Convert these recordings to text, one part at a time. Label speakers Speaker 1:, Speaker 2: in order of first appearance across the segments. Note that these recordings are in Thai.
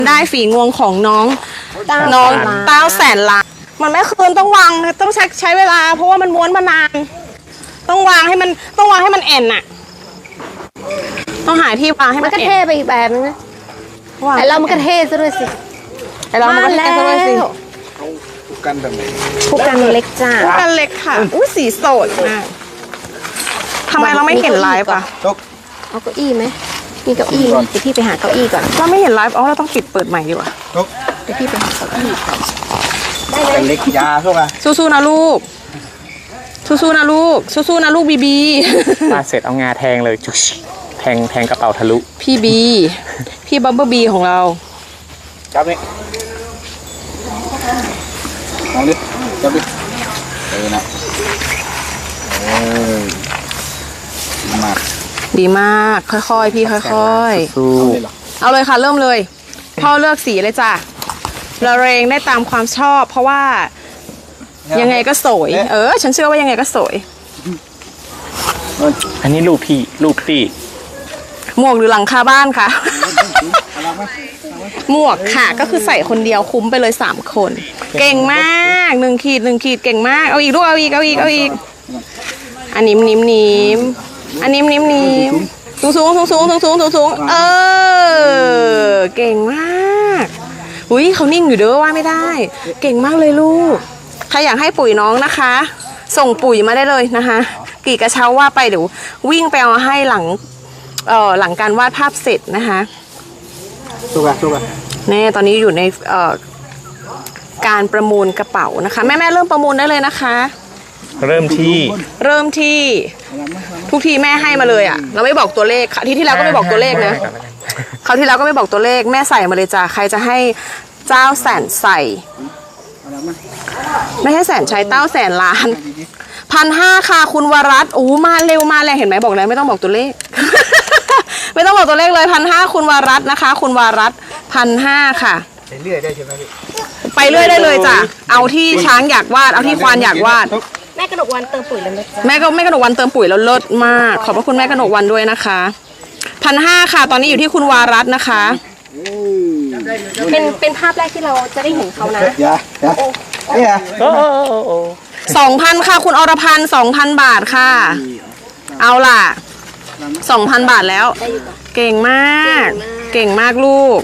Speaker 1: ได้ฝีงวงของน้องเต้าแสนล้านมันไม่คืนต้องวางต้องใช้เวลาเพราะว่ามันม้วนมานานต้องวางให้มันแอนน่ะต้องหาที่วางให้มัน
Speaker 2: ก็เท่ไปอีกแบบนึงนะไอเรามันก็เท่ซะด้วยสิ
Speaker 1: ไอเรามันก็เท่ซะด้วยสิ
Speaker 3: ผูกกันแบบไหน
Speaker 2: ผูกกันเล็กจ้า
Speaker 1: ผูกกันเล็กค่ะอุ้ยสีสดมากทำไมเราไม่เห็นไลฟ์อ่ะ
Speaker 3: จก
Speaker 2: เอาเก้าอี้ไหมมีเก้าอี้เดี๋ยวพี่ไปหาเก้าอี้ก่อน
Speaker 1: เราไม่เห็นไลฟ์เราต้องปิดเปิดใหม่ดีกว่า
Speaker 3: จก
Speaker 2: เดี๋ยวพี่ไปหาเก้าอี้ก่อน
Speaker 3: เป็นเล็กยาพวกอะ
Speaker 1: สู้ๆนะลูกสู้ๆนะลูกสู้ๆนะลูกบีบี
Speaker 4: ปาดเสร็จเอางาแทงเลยจุ๊ชแทงกระเป๋าทะลุ
Speaker 1: พี่บีพี่บัมเบิลบีของเรา
Speaker 3: จับนี่มองดิจับดินะดีมาก
Speaker 1: ดีมากค่อยๆพี่ค่อย
Speaker 4: สู้
Speaker 1: ๆเอาเลยค่ะเริ่มเลยพ่อเลือกสีเลยจ้ะละเรงได้ตามความชอบเพราะว่ายังไงก็สวยฉันเชื่อว่ายังไงก็สวย
Speaker 4: อันนี้ลูกพี่
Speaker 1: หมวกหรือหลังคาบ้านคะหมวกค่ะก็คือใส่คนเดียวคุ้มไปเลย3คนเก่งมาก1 ขีดเก่งมากเอาอีกลูกเอาอีกอันนิ่มอันนิ่มสูงเก่งมากอุ้ยเขานิ่งอยู่เด้อว่าไม่ได้เก่งมากเลยลูกใครอยากให้ปุ๋ยน้องนะคะ ส่งปุ๋ยมาได้เลยนะคะกี่กระเช้าว่าไปเดี๋ยววิ่งไปเอาให้หลังการวาดภาพเสร็จนะคะ
Speaker 3: สู้กัน
Speaker 1: แน่ตอนนี้อยู่ในการประมูลกระเป๋านะคะแม่เริ่มประมูลได้เลยนะคะ
Speaker 4: เริ่มที่
Speaker 1: ทุกทีแม่ให้มาเลยอ่ะเราไม่บอกตัวเลขที่แล้วก็ไม่บอกตัวเลขนะคราวที่แล้วก็ไม่บอกตัวเลขแม่ใส่มาเลยจ้ะใครจะให้เจ้าแสนใส่ไม่ให้แสนใช้เต้าแสนล้าน1,500ค่ะคุณวรัตน์มาเร็วมาแรงเห็นไหมบอกแล้วไม่ต้องบอกตัวเลข ไม่ต้องบอกตัวเลขเลย1,500คุณวรัตน์นะคะคุณวรัตน์1,500ค่ะ
Speaker 3: ไปเรื่อยได้ใช่ไหมพี่
Speaker 1: ไปเรื่อยได้เลยจ้ะเอาที่ช้างอยากวาดเอาที่ควานอยากวาด
Speaker 2: แม่กระดกวันเติมปุ๋ยแล้วนะจ๊ะ
Speaker 1: แม่กระหนกวันเติมปุ๋ยแล้วเลิศมากขอบพระคุณแม่กระหนกวันด้วยนะคะ1,500ค่ะตอนนี้อยู่ที่คุณวารัตน์นะคะ
Speaker 2: เป็นภาพแรกที่เราจะได้เห็นเขานะ
Speaker 3: ยานี่ฮะ
Speaker 1: 2,000ค่ะคุณอรพันธ์ 2,000 บาทค่ะเอาล่ะ 2,000 บาทแล้วเก่งมากลูก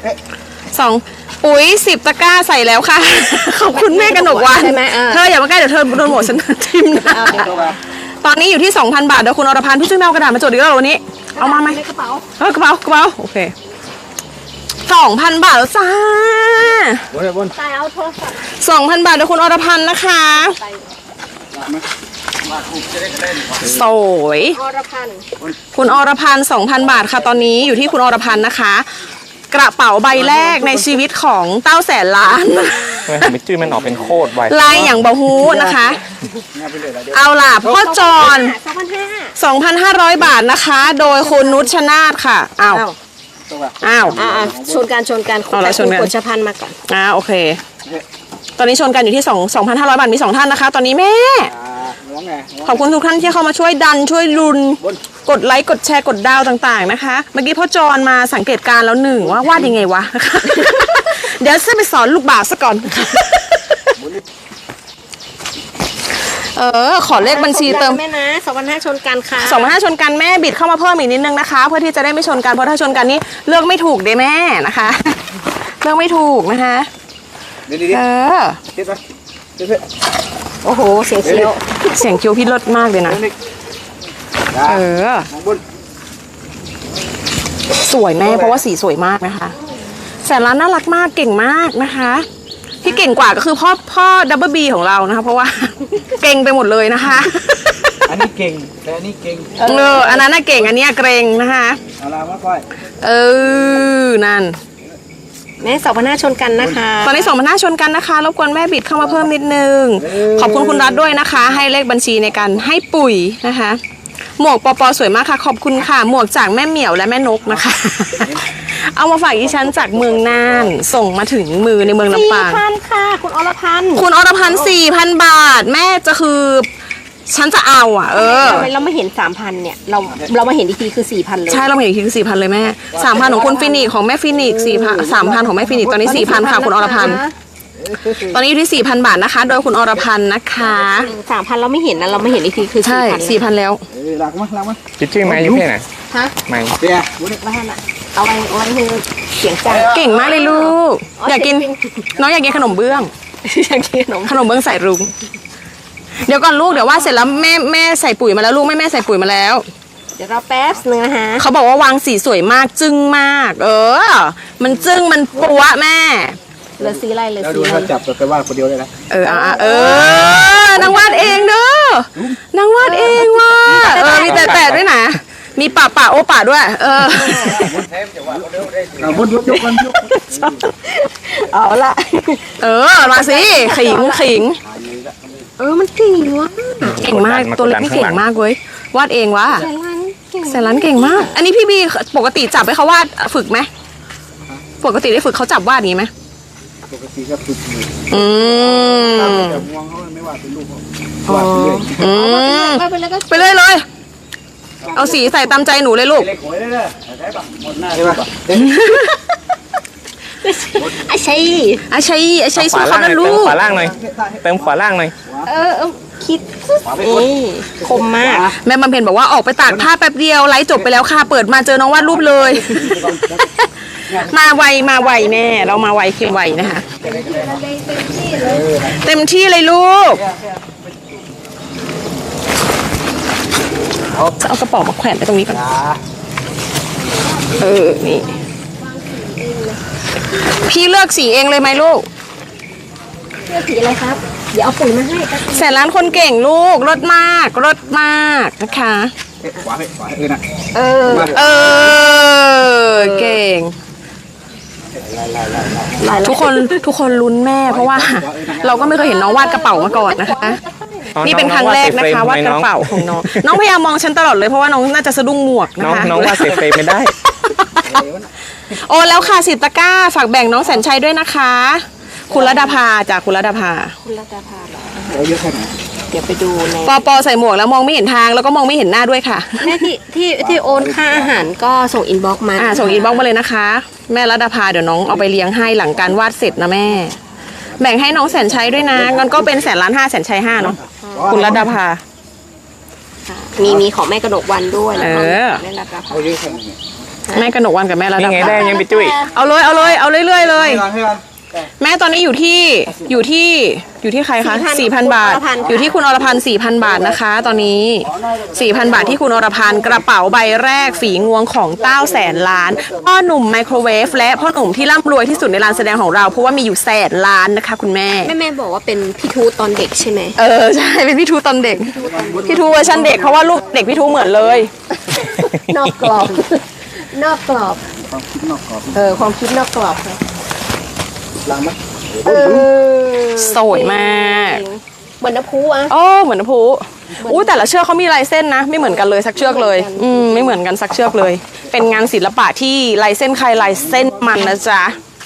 Speaker 1: ปุ๋ย10 ตะกร้าใส่แล้วค่ะขอบคุณแม่กนกวันเธออย่ามาใกล้เดี๋ยวเธอโดนหมดฉันทิมนะตอนนี้อยู่ที่ 2,000 บาทเดี๋ยวคุณอรพันธ์พี่ช่วยแมวกระดาษมาจดอีกแล้ววันนี้เอามาไหมกระเป๋าโอเค 2,000 บาทแล้วจ้า
Speaker 3: บน
Speaker 2: ตายเอาโทรศัพท์
Speaker 1: 2,000 บาทเดี๋ยวคุณอรพันธ์นะคะสวยคุณอรพันธ์ 2,000 บาทค่ะตอนนี้อยู่ที่คุณอรพันธ์นะคะกระเป๋าใบแรกในชีวิตของเต้าแสนล้าน
Speaker 4: ไม่จื้อมันออกเป็นโคตรไว
Speaker 1: ลายอย่างบะฮูนะคะเอาล่ะพ่อจอน2,500 บาทนะคะโดยคุณนุชนาธิ์ค่ะอ้าว
Speaker 2: ชนกันกดชพันมาก่อน
Speaker 1: โอเคตอนนี้ชนกันอยู่ที่2,500 บาทมี2ท่านนะคะตอนนี้แม่ขอบคุณทุกท่านที่เข้ามาช่วยดันช่วยรุนกดไลค์กดแชร์กดดาวต่างๆนะคะเมื่อกี้พ่อจอนมาสังเกตการแล้วหนึ่งว่าวาดยังไงวะเดี๋ยวจะไปสอนลูกบ่าวซะก่อนขอเลขบัญชีเติม
Speaker 2: แม่นะ2,500ชนกันค่ะ
Speaker 1: 2,500ชนกันแม่บิดเข้ามาเพิ่มอีกนิดนึงนะคะเพื่อที่จะได้ไม่ชนกันเพราะถ้าชนกันนี่เลือกไม่ถูกเด้แม่นะคะเลือกไม่ถูกนะคะ
Speaker 2: โอ้โหเสียงเคี้
Speaker 1: ยวพี่เลิศมากเลยนะสวยแม่เพราะว่าสีสวยมากนะคะแสนล้านน่ารักมากเก่งมากนะคะที่เก่งกว่าก็คือพ่อดับเบิลบีของเรานะคะเพราะว่าเก่งไปหมดเลยนะคะ
Speaker 3: อันนี้เก่งแต่อันนี้เก่ง
Speaker 1: อันนั้นน่ะเก่งอันนี้เกรงนะคะ
Speaker 3: เอาละมาค่อย
Speaker 1: นั่น
Speaker 2: แม่2,500ชนกันนะคะ
Speaker 1: ตอนนี้2,500ชนกันนะคะรบกวนแม่บิดเข้ามาเพิ่มนิดนึงขอบคุณคุณรัฐด้วยนะคะให้เลขบัญชีในการให้ปุ๋ยนะคะหมวกปอสวยมากค่ะขอบคุณค่ะหมวกจากแม่เหมียวและแม่นกนะคะเอามาฝากดิฉันจากเมืองน่านส่งมาถึงมือในเมืองลำปาง
Speaker 2: 4,000ค่ะคุณอรพันธ์
Speaker 1: 4,000 บาทแม่จะคือฉันจะเอาอ่ะ
Speaker 2: ทำไมเราไม่เห็น 3,000 เนี่ย เรามาเห็นอีกทีคือ 4,000 เลย
Speaker 1: ใช่เราเห็นอีกทีคือ 4,000 เลยแม่ 3,000 ของคุณฟินิกของแม่ฟินิก4,000 3,000 ของแม่ฟินิกตอนนี้ 4,000 ค่ะคุณอรพันธ์ตอนนี้อยู่ที่ 4,000 บาทนะคะ โดยคุณอรพันธ์นะคะ
Speaker 2: 3,000 เราไม่เห็นนะเราไม่เห็นอีกทีคือ
Speaker 1: ใช่
Speaker 2: 4,000
Speaker 1: 4,000 แล้ว
Speaker 3: หลักมั้ย
Speaker 4: ชื่อไม้ยุเพ่ไหน
Speaker 2: ฮะ
Speaker 4: ไม้
Speaker 3: เดี๋ยว
Speaker 2: ว่าท่านอะเอาไว้คือเสียงจัง
Speaker 1: เก่งมากเลยลูก อยากกิน น้องอยากกินขนมเบื้อง
Speaker 2: อยากกินขนม
Speaker 1: เบื้องใส่รุ้งเดี๋ยวก่อนลูกเดี๋ยววาดเสร็จแล้วแม่ใส่ปุ๋ยมาแล้วลูกแม่ใส่ปุ๋ยมาแล้ว
Speaker 2: เดี๋ยวเราแป๊บนึงนะคะ
Speaker 1: เขาบอกว่าวางสีสวยมากจึ้งมาก มันจึ้งมันปัวแม่
Speaker 2: เหลือสีอะไรเหลือ
Speaker 3: แล้ว
Speaker 2: สี
Speaker 3: ดู
Speaker 2: อะไร
Speaker 3: เขาจับไปว่าคนเดียวเลยนะ
Speaker 1: นางวาดเองเด้อนางวาดเองว่ะมีแต่ด้วยนะมีป่าโอป่าด้วย
Speaker 3: บนยกกันยก
Speaker 2: เอาละ
Speaker 1: มาสิขิง
Speaker 2: มันเก่งวะ
Speaker 1: เก่งมากตัวเล็กนี่เก่งมากเว้ยวาดเองวะ แสนล้านเก่งมาก อันนี้พี่บีปกติจับให้เขาวาดฝึกไหมปกติได้ฝึกเขาจับวาดอย่างนี้ไหม
Speaker 3: ปกติก็ฝึกอยู่ แต่มองเขาไม่ว่าเป็นลูกเขาว่าไปเรื่อย
Speaker 2: ไปเลยก็
Speaker 1: ไปเลย เอาสีใส่ตามใจหนูเลยลูก
Speaker 3: เล็กหวยเลยใช่ป่ะหมดหน้าใช่ป่ะ
Speaker 2: ไอ้ใช่
Speaker 1: อาชัย
Speaker 4: ข
Speaker 1: สู้
Speaker 4: วา
Speaker 1: เขา
Speaker 4: ล่างหน่อย
Speaker 1: นะลู
Speaker 4: เติม
Speaker 1: ก
Speaker 4: ขวาล่างหน่อยเติมขวาล่างหน่อย
Speaker 2: คิดคมมาก
Speaker 1: แม่บำเพ็ญบอกว่าออกไปตากผ้าแป๊บเดียวไลฟ์จบไปแล้วค่ะเปิดมาเจอน้องวาดรูปเลย มาไวแม่เรามาไวเค็มไวนะคะ เต็มที่เลยลูกจะเอากระเป๋ามาแขวนไว้ตรงนี้ก่อนนี่พี่เลือกสีเองเลยไหมลูก
Speaker 2: เสื้อสีอะไรครับ เดี๋ยวเอาปุ๋ยมาให้
Speaker 1: แสนล้านคนเก่งลูกรถมากนะคะ
Speaker 3: ขวานะ
Speaker 1: เก่งทุกคนลุ้นแม่เพราะว่า เราก็ไม่เคยเห็นน้องวาดกระเป๋ามาก่อนนะคะ นี่เป็นครั้งแรกนะคะวาดกระเป๋าของน้องน้องพยายามมองฉันตลอดเลยเพราะว่าน้องน่าจะสะดุ้งหมวกนะคะ
Speaker 4: น้องว่าเซฟเฟรมไม่ได้
Speaker 1: โอ้แล้วค่ะ10 ตะกร้าฝากแบ่งน้องแสนชัยด้วยนะคะ คุณรัตภาจากคุณรัตภา
Speaker 2: คุณรัตภาเหรอ
Speaker 3: เยอะแค่ไหน
Speaker 2: เดี๋ยวไปดูใน
Speaker 1: ปอใส่หมวกแล้วมองไม่เห็นทางแล้วก็มองไม่เห็นหน้าด้วยค่ะ
Speaker 2: แม่ที่โอนค่าอาหารก็ส่งอินบ็อกซ์มา
Speaker 1: ส่งอินบ็อกซ์มาเลยนะคะ แม่รัตภาเดี๋ยวน้องเอาไปเลี้ยงให้หลังการวาดเสร็จนะแม่ แบ่งให้น้องแสนชัยด้วยนะงั้นก็เป็น1,500,000แสนชัย5เนาะคุณรัตภา
Speaker 2: มีของแม่กระดกวันด้วยแล้วก็แม่รัตภา
Speaker 3: เอาเยอะแค่ไหน
Speaker 1: แม่กนกวันกับแม่รัต
Speaker 4: นี่ไง
Speaker 1: ภา
Speaker 4: ได้ยังไปจุ้ย
Speaker 1: เอาเลยเอาเรื่อยๆเลย
Speaker 3: ให้กัน
Speaker 1: แม่ตอนนี้อยู่ที่ใครคะ 4,000 บาท อยู่ที่คุณอรพันธ์ 4,000 บาทนะคะ ตอนนี้ 4,000 บาทที่คุณอรพันธ์กระเป๋าใบแรกฝีงวงของเต้าแสนล้านพ่อหนุ่มไมโครเวฟและพ่อหนุ่มที่ร่ำรวยที่สุดในลานแสดงของเราเพราะว่ามีอยู่แสนล้านนะคะคุณแม่
Speaker 2: แม่บอกว่าเป็นพี่ทูตตอนเด็กใช่ไหม
Speaker 1: ใช่เป็นพี่ทูตอนเด็กพี่ทูเวอร์ชันเด็กเพราะว่าลูกเด็กพี่ทูเหมือนเลย
Speaker 2: นอกกรอบ นอกกรอบ
Speaker 3: ความคิดนอกกรอบ
Speaker 2: ความคิดนอกกรอบค่ะ
Speaker 3: ล้างมั้ย
Speaker 1: สวยมาก
Speaker 2: เหมือนน้ำพุอ่ะ
Speaker 1: เหมือนน้ำพุอู้แต่ละเชือกเขามีลายเส้นนะไม่เหมือนกันเลยสักเชือกเลยไม่เหมือนกันสักเชือกเลย เป็นงานศิลปะที่ลายเส้นใครลายเส้นมันนะจ๊ะ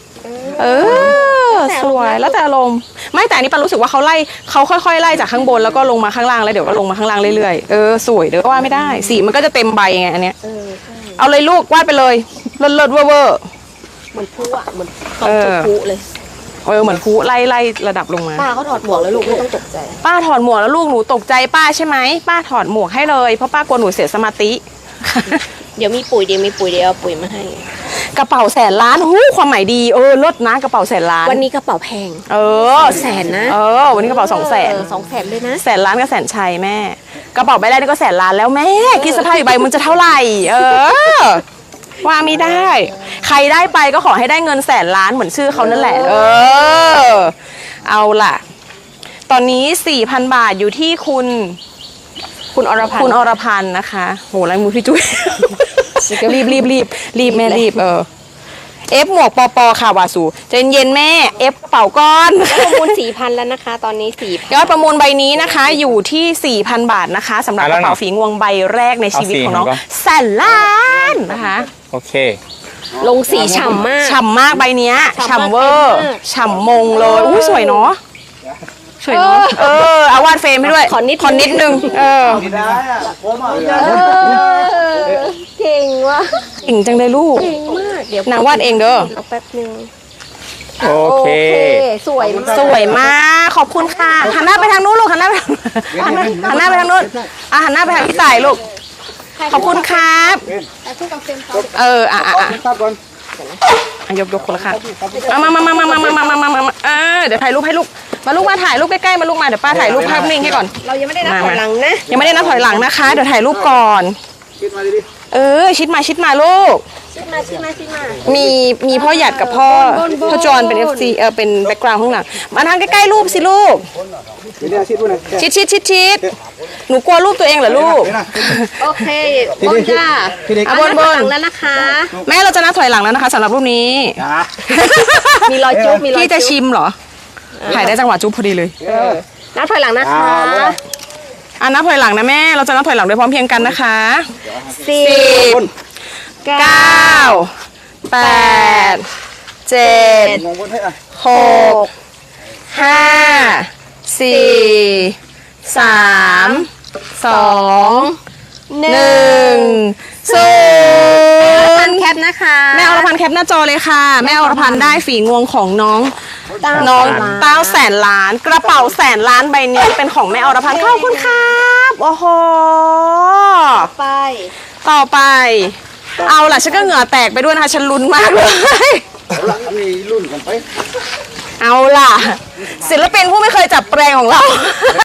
Speaker 1: สวยแล้วแต่อารมณ์ไม่แต่อันนี้ปันรู้สึกว่าเขาค่อยๆไล่จากข้างบนแล้วก็ลงมาข้างล่างแล้วเดี๋ยวก็ลงมาข้างล่างเรื่อยๆสวยเดี๋ยวก็ว่าไม่ได้สีมันก็จะเต็มใบไงอันเนี้ยเอาเลยลูกวาดไปเลยเลิศเวอร์
Speaker 2: เหมือนพุอ่ะเหมือนตอนจุดพุเลย
Speaker 1: เหมือนพุไล่ระดับลงมา
Speaker 2: ป้าเขาถอดหมวกแล้วลูกไม่ต้องตกใจ
Speaker 1: ป้าถอดหมวกแล้วลูกหนูตกใจป้าใช่ไหมป้าถอดหมวกให้เลยเพราะป้ากลัวหนูเสียสมาธิ
Speaker 2: เดี๋ยวมีปุ๋ยเดี๋ยวเอาปุ๋ยมาให้
Speaker 1: กระเป๋าแสนล้านความหมายดีลดนะกระเป๋าแสนล้าน
Speaker 2: วันนี้กระเป๋าแพง
Speaker 1: แส
Speaker 2: นนะ
Speaker 1: วันนี้กระเป๋า200,000
Speaker 2: 200,000เลยนะ
Speaker 1: แสนล้านกับแสนชัยแม่กระเป๋าใบแรกนี่ก็แสนล้านแล้วแม่คิดสภาพอีกใบมันจะเท่าไหร่ว่าไม่ได้ ใครได้ไปก็ขอให้ได้เงินแสนล้านเหมือนชื่อเขานั่นแหละเอาล่ะตอนนี้ 4,000 บาทอยู่ที่คุณอรพันธ์นะคะโหลายมือพี่จุ้ย รีบแม่รีบเอฟหมวกปอค่ะวาสูใจเย็นแม่เอฟกระเป๋าก้อน
Speaker 2: ประมูล 4,000 แล้วนะคะ ตอนนี้ 4,000
Speaker 1: ยอดประมูลใบนี้นะคะอยู่ที่ 4,000 บาทนะคะสำหรับกระเป๋าฝีงวงใบแรกในชีวิตของน้องแสนล้านนะคะ
Speaker 4: โอเค
Speaker 2: ลงสีฉ่ำมาก
Speaker 1: ฉ่ำมากใบเนี้ยฉ่ำเวอร์ฉ่ำมงเลยสวยเนาะช่วยน้องเอาวาดเฟรมให้ด้วย ขอนิดนึง
Speaker 3: ไม่ได้อะผมอ่ะ
Speaker 2: เก่งว่ะ
Speaker 1: เก่งจังเลยลูก
Speaker 2: เก่งมากเดี๋ยวน
Speaker 1: างวาดเองเด้อ
Speaker 2: เอาแป๊บนึง
Speaker 4: โอเค
Speaker 2: สวยมาก
Speaker 1: สวยมากขอบคุณค่ะหันหน้าไปทางนู้นลูกหันหน้าไปทางหันหน้าไปทางนู้นหันหน้าไปทางพี่สายลูกขอบคุณครับ
Speaker 2: แต่คู่กับเฟรมเขา
Speaker 3: ครับก่อน
Speaker 1: ยกคนละค่ะมาเดี๋ยวถ่ายรูปให้ลูกมาลูกมาถ่ายรูปใกล้ๆมาลูกมาเดี๋ยวป้าถ่ายรูปภาพนิ่งให้ก่อน
Speaker 2: เรายังไม่ได้นับถอยหลังนะ
Speaker 1: ยังไม่ได้นับถอยหลังนะคะเดี๋ยวถ่ายรูปก่อน
Speaker 3: คิดมาดิ
Speaker 1: ชิดมาลูก
Speaker 2: ชิดมา
Speaker 1: มีพ่อหยัดกับพ่อจอนเป็น FC เป็นแบ็กกราวด์ข้างหลังมาทางใกล้ๆรูปสิลูก
Speaker 3: เดี๋ยวชิดด้วยนะ
Speaker 1: ชิดหนูกลัวรูปตัวเองเหรอลูก
Speaker 2: โอเคบนจ้า
Speaker 1: บน
Speaker 2: หลังแล้วนะคะ
Speaker 1: แม่เราจะนับถอยหลังแล้วนะคะสำหรับรูปนี้
Speaker 2: มีรอยจุ๊บมีรอย
Speaker 1: พี่จะชิมเหรอถ่ายได้จังหวะจุ๊บพอดีเลย
Speaker 2: นับถอยหลังนะคะ
Speaker 1: นับถอยหลังนะแม่เราจะนับถอยหลังด้วยพร้อมเพรียงกันนะคะ 10 9 8 7
Speaker 3: มองบนให้อ่ะ
Speaker 1: 6 5 4 3 2 1
Speaker 2: แคปนะคะ
Speaker 1: แม่อรพันธ์แคปหน้าจอเลยค่ะ แม่อรพันธ์ได้ฝีงวงของน้องเต้าแสนล้าน กระเป๋าแสนล้านใบนี้เป็นของแม่อรพันธ์ขอบคุณครับโอ้โห ต่อไป เอาล่ะฉันก็เหงื่อแตกไปด้วยนะคะฉันลุ้นมากเลย
Speaker 3: เอาละมีรุ่นกันไป
Speaker 1: เอาล่ะ ศิลปินผู้ไม่เคยจับแปรงของเรา